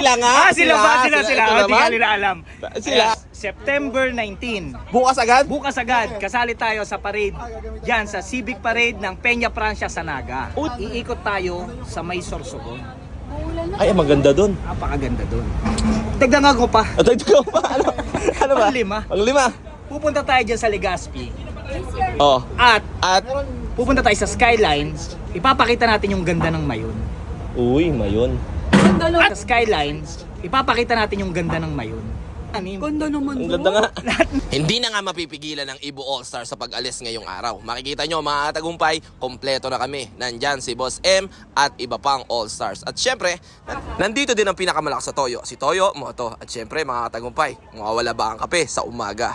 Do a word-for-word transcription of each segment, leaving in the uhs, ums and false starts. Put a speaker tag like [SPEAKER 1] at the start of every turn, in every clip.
[SPEAKER 1] sila nga.
[SPEAKER 2] Ah, sila ba? Sila, sila.
[SPEAKER 1] Ito
[SPEAKER 2] Oh, di
[SPEAKER 1] naman.
[SPEAKER 2] nga nila alam.
[SPEAKER 1] Sila.
[SPEAKER 2] Ayan, September nineteenth.
[SPEAKER 1] Bukas agad?
[SPEAKER 2] Bukas agad, kasali tayo sa parade dyan sa Civic Parade ng Peña Francia sa Naga. Iikot tayo sa May Sorsogon.
[SPEAKER 1] Ay, maganda dun.
[SPEAKER 2] Napakaganda doon. Dagdagan ko pa.
[SPEAKER 1] At ito ko pa. Ano, ano ba?
[SPEAKER 2] Panglima.
[SPEAKER 1] Panglima.
[SPEAKER 2] Pupunta tayo dyan sa Legazpi.
[SPEAKER 1] Oh.
[SPEAKER 2] At
[SPEAKER 1] At,
[SPEAKER 2] pupunta tayo sa Skyline. Ipapakita natin yung ganda ng Mayon.
[SPEAKER 1] uy, mayon.
[SPEAKER 2] At sa Skyline, ipapakita natin yung ganda ng Mayon. Anim. Ganda naman
[SPEAKER 1] Ang ganda nga.
[SPEAKER 3] Hindi na nga mapipigilan ng Ibo All-Star sa pag-alis ngayong araw. Makikita nyo mga tagumpay, kompleto na kami. Nandyan si Boss M at iba pang All-Stars. At syempre, nandito din ang pinakamalakas sa Toyo. Si Toyo, Moto. At syempre mga tagumpay, mawawala ba ang kape sa umaga?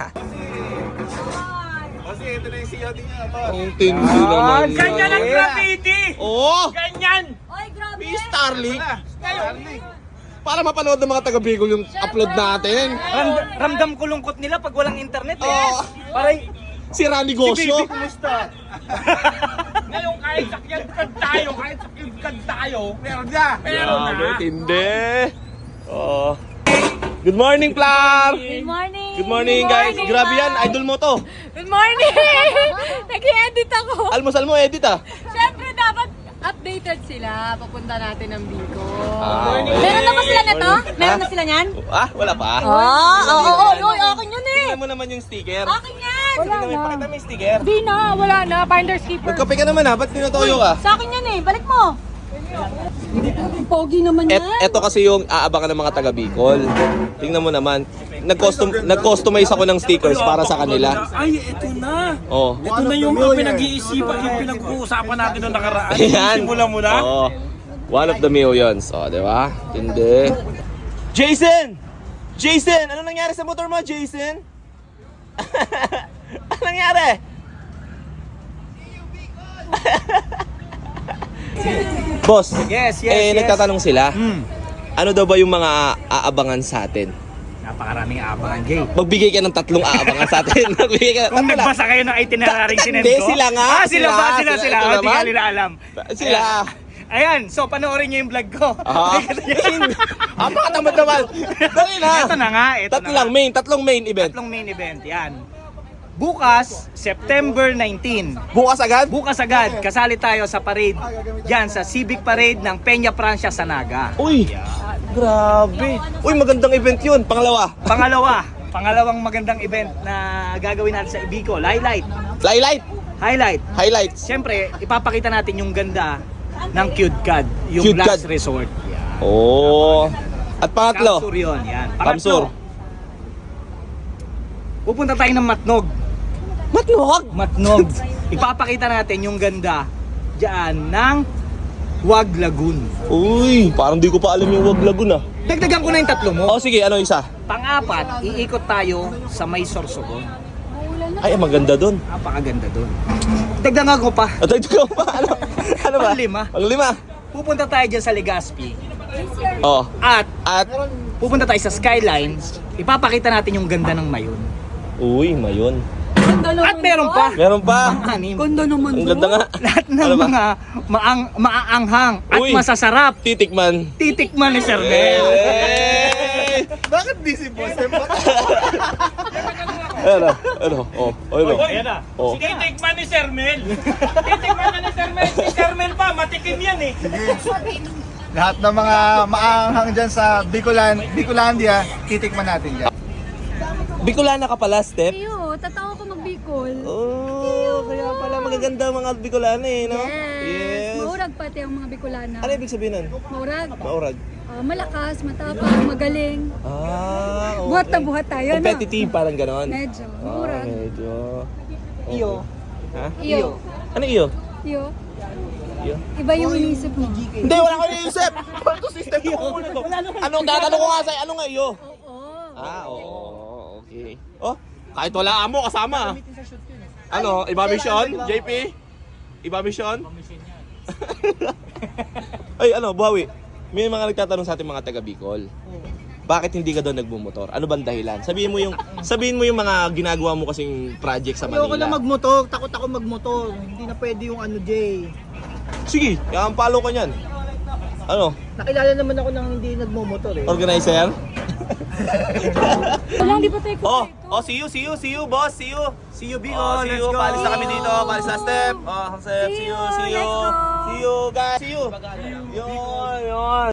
[SPEAKER 4] Kasi ito na yung C O D niya.
[SPEAKER 1] Ang tindi naman.
[SPEAKER 2] Ganyan ang graffiti!
[SPEAKER 1] Oo!
[SPEAKER 2] Ganyan!
[SPEAKER 5] Oy, grabe!
[SPEAKER 1] May Starlink. Para mapanood ng mga taga-Bicol yung upload natin.
[SPEAKER 2] Ram- ramdam ko lungkot nila pag walang internet eh.
[SPEAKER 1] Oo.
[SPEAKER 2] Parang
[SPEAKER 1] Sira negosyo.
[SPEAKER 2] kumusta?
[SPEAKER 4] Ngayon kahit sakyan kad tayo, kahit sakyan kad tayo, meron niya. Meron na.
[SPEAKER 1] Grabe, tindi. Oh. Good morning, Plar!
[SPEAKER 5] Good morning!
[SPEAKER 1] Good morning, guys. Grabe yan, idol mo to.
[SPEAKER 5] Good morning! Nag-i-edit ako.
[SPEAKER 1] Almusal mo, edit ah.
[SPEAKER 5] Siyempre, dapat updated sila. Papunta natin ng Bicol.
[SPEAKER 1] Ah, okay.
[SPEAKER 5] Meron na ba sila na to? Meron
[SPEAKER 1] Ha?
[SPEAKER 5] na sila niyan?
[SPEAKER 1] Ah, wala pa.
[SPEAKER 5] Oo, oo, oo. Oy, akin yun eh.
[SPEAKER 1] Tingnan mo naman yung sticker.
[SPEAKER 5] Akin yan!
[SPEAKER 1] Wala na. Pakita mo yung sticker.
[SPEAKER 5] Di na, wala na. Finder's keeper.
[SPEAKER 1] Magkape ka naman ha, ba't tinutoyo ka?
[SPEAKER 5] Sa akin yan eh. Balik mo. Pogi naman
[SPEAKER 1] Et,
[SPEAKER 5] yan.
[SPEAKER 1] eto kasi yung aabangan ng mga taga Bicol. Tingnan mo naman. Nag-custom, nag-customize ako ng stickers para sa kanila.
[SPEAKER 4] Ay, ito na.
[SPEAKER 1] Oh.
[SPEAKER 4] Ito na yung uh, pinag-iisipan, yung pinag-uusapan natin noong nakaraan.
[SPEAKER 1] Ayan.
[SPEAKER 4] Simulan mo na.
[SPEAKER 1] Oo. One of the millions. Oh, di ba? Hindi. Jason! Jason! Ano nangyari sa motor mo, Jason? Ano nangyari? Boss,
[SPEAKER 2] Yes, yes,
[SPEAKER 1] eh,
[SPEAKER 2] yes.
[SPEAKER 1] nagtatanong sila,
[SPEAKER 2] Hmm.
[SPEAKER 1] ano daw ba yung mga aabangan sa atin?
[SPEAKER 2] Napakaraming aabangan, Jay.
[SPEAKER 1] Magbigay ka ng tatlong aabangan sa atin. Magbigay ka ng
[SPEAKER 2] Kung
[SPEAKER 1] tatlo lang.
[SPEAKER 2] nagbasa kayo ng itinerary
[SPEAKER 1] Ta-
[SPEAKER 2] sinend
[SPEAKER 1] hindi,
[SPEAKER 2] ko.
[SPEAKER 1] sila nga,
[SPEAKER 2] Ah, sila,
[SPEAKER 1] sila,
[SPEAKER 2] ba? Sila,
[SPEAKER 1] sila,
[SPEAKER 2] sila.
[SPEAKER 1] ito
[SPEAKER 2] Oh, di nga
[SPEAKER 1] naman.
[SPEAKER 2] nila alam.
[SPEAKER 1] Sila.
[SPEAKER 2] Ayan. Ayan, so panoorin niyo yung vlog ko.
[SPEAKER 1] Ah, ah, pakatamad naman. Dali na.
[SPEAKER 2] Ito na nga, ito
[SPEAKER 1] Tatlo
[SPEAKER 2] na
[SPEAKER 1] lang,
[SPEAKER 2] nga.
[SPEAKER 1] main, tatlong main event.
[SPEAKER 2] Tatlong main event, yan. Bukas, September nineteenth.
[SPEAKER 1] Bukas agad?
[SPEAKER 2] Bukas agad, kasali tayo sa parade dyan sa Civic Parade ng Peña Francia sa Naga.
[SPEAKER 1] Uy, grabe. Uy, magandang event yun. Pangalawa.
[SPEAKER 2] Pangalawa, pangalawang magandang event na gagawin natin sa Bicol. Highlight.
[SPEAKER 1] Light,
[SPEAKER 2] Highlight.
[SPEAKER 1] highlights.
[SPEAKER 2] Siyempre, ipapakita natin yung ganda ng Cute Cad, yung
[SPEAKER 1] Cute
[SPEAKER 2] last
[SPEAKER 1] Cad.
[SPEAKER 2] resort. Yan.
[SPEAKER 1] Oh. At pangatlo,
[SPEAKER 2] Kamsur yun, yan.
[SPEAKER 1] Kamsur.
[SPEAKER 2] Pangatlo, pupunta tayo ng Matnog.
[SPEAKER 1] Matnog.
[SPEAKER 2] Matnog. Ipapakita natin yung ganda dyan ng Wag Lagoon.
[SPEAKER 1] Uy, parang di ko pa alam yung Wag Lagoon ah.
[SPEAKER 2] Dagdagan ko na yung tatlo mo.
[SPEAKER 1] Oh, sige, ano isa?
[SPEAKER 2] Pang-apat, iikot tayo sa May Sorsogon.
[SPEAKER 1] Ay, maganda dun.
[SPEAKER 2] Napakaganda doon. Dagdagan ko pa.
[SPEAKER 1] At ito ko pa, ano? Ano ba?
[SPEAKER 2] Panglima.
[SPEAKER 1] Panglima.
[SPEAKER 2] Pupunta tayo dyan sa Legazpi.
[SPEAKER 1] Oh.
[SPEAKER 2] At
[SPEAKER 1] At,
[SPEAKER 2] pupunta tayo sa Skyline. Ipapakita natin yung ganda ng Mayon.
[SPEAKER 1] uy, mayon.
[SPEAKER 2] At meron pa.
[SPEAKER 1] Meron pa.
[SPEAKER 2] Anim. Ganda naman
[SPEAKER 1] Ang ganda nga.
[SPEAKER 2] Lahat ng
[SPEAKER 1] Ano ba?
[SPEAKER 2] mga maang, maaanghang at
[SPEAKER 1] Uy.
[SPEAKER 2] masasarap.
[SPEAKER 1] Titikman.
[SPEAKER 2] Titikman ni Sir Mel.
[SPEAKER 1] Hey!
[SPEAKER 4] Bakit di si Boss?
[SPEAKER 1] Ano? Ano? Oh, ano?
[SPEAKER 2] Ayan na.
[SPEAKER 1] Oh.
[SPEAKER 4] Titikman ni Sir Mel. Titikman na ni Sir Mel. Si Sir Mel pa, matikim yan eh.
[SPEAKER 6] Lahat ng mga maanghang dyan sa Bicolan, Bicolandia, titikman natin dyan.
[SPEAKER 1] Bicolana ka pala, Step?
[SPEAKER 5] Iyo, tatawa ko mag-Bicol.
[SPEAKER 1] Oh, kaya pala magaganda ang mga Bicolana eh, no?
[SPEAKER 5] Yes. Maurag pati ang mga Bicolana.
[SPEAKER 1] Ano ibig sabihin nun?
[SPEAKER 5] Maurag.
[SPEAKER 1] Maurag.
[SPEAKER 5] Ah, malakas, matapang, magaling.
[SPEAKER 1] Ah, okay.
[SPEAKER 5] Buhat na buhat tayo, no?
[SPEAKER 1] Competitive, parang ganon.
[SPEAKER 5] Medyo.
[SPEAKER 1] Ah,
[SPEAKER 5] Maurag.
[SPEAKER 1] medyo. Okay.
[SPEAKER 2] Iyo.
[SPEAKER 1] Ha?
[SPEAKER 5] Iyo.
[SPEAKER 1] Ano iyo?
[SPEAKER 5] Iyo.
[SPEAKER 1] Iyo?
[SPEAKER 5] Iba yung inisip mo.
[SPEAKER 1] Hindi, wala ko iniisip! Ito si Step ko muna to. Anong tatanong ko nga sa'yo? Ano nga iyo?
[SPEAKER 5] Oo.
[SPEAKER 1] Ah, oo. Okay. Oh, kahit wala amo kasama. ah. Ano, iba mission? J P? Iba mission? Ay, ano, Buhawi. May mga nagtatanong sa ating mga taga Bicol. Bakit hindi ka doon nagmumotor? Ano bang dahilan? Sabihin mo yung sabihin mo yung mga ginagawa mo kasing project sa
[SPEAKER 7] Ayoko na
[SPEAKER 1] Manila.
[SPEAKER 7] magmotor, takot ako magmotor. Hindi na pwede yung ano, Jay.
[SPEAKER 1] Sige, kaya palo ka niyan. Ano?
[SPEAKER 2] Nakilala naman ako ng hindi nagmumotor eh.
[SPEAKER 1] Organizer?
[SPEAKER 5] Wala, hindi pa tayo
[SPEAKER 1] Oh,
[SPEAKER 5] kumpleto.
[SPEAKER 1] oh, see you, see you, see you, boss, see you.
[SPEAKER 2] See you, Bicol.
[SPEAKER 1] Oh, see
[SPEAKER 2] Let's
[SPEAKER 1] you.
[SPEAKER 2] go.
[SPEAKER 1] Paalis na kami dito. Paalis na step. Oh, step. See you, see you.
[SPEAKER 5] let's go.
[SPEAKER 1] See you, guys. See you. See you. Yun, yun.